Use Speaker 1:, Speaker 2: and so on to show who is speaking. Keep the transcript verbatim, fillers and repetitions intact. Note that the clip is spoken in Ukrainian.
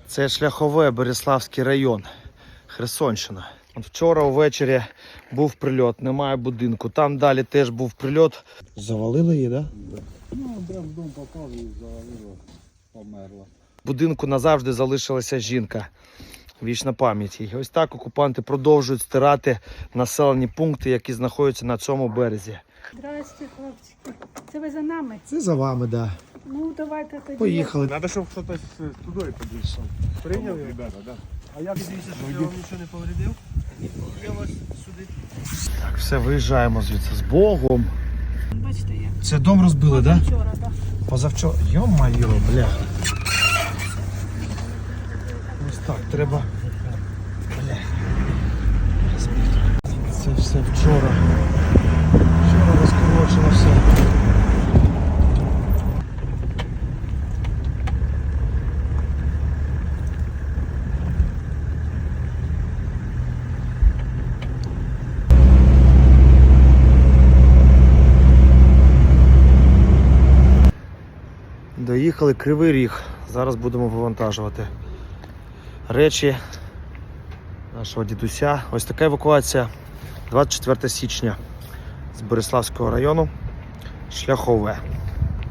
Speaker 1: Це Шляхове, Береславський район, Херсонщина. От вчора ввечері був прильот, немає будинку. Там далі теж був прильот. Завалили її, так?
Speaker 2: Да? Ну, де в дом попав і завалило, померла.
Speaker 1: В будинку назавжди залишилася жінка. Вічна пам'ять їй. Ось так окупанти продовжують стирати населені пункти, які знаходяться на цьому березі.
Speaker 3: Здрасте, хлопчики. Це ви за нами?
Speaker 1: Це за вами, так. Да.
Speaker 3: Ну, давайте тоді.
Speaker 1: Поїхали.
Speaker 2: Треба, щоб хтось туди підійшов. Прийняв, ребята, так? А я
Speaker 4: Дивіться, що я вам нічого не повредив. Я вас сюди.
Speaker 1: Так, все, виїжджаємо звідси з Богом.
Speaker 3: Бачите, як.
Speaker 1: Це дом розбили, так? Да?
Speaker 3: Вчора, так.
Speaker 1: Позавчора. Йо-майо, бля. Ось так, треба. Бля. Це все вчора. Вчора розкорочено все. Доїхали Кривий Ріг. Зараз будемо вивантажувати речі нашого дідуся. Ось така евакуація двадцять четвертого січня з Береславського району. Шляхове.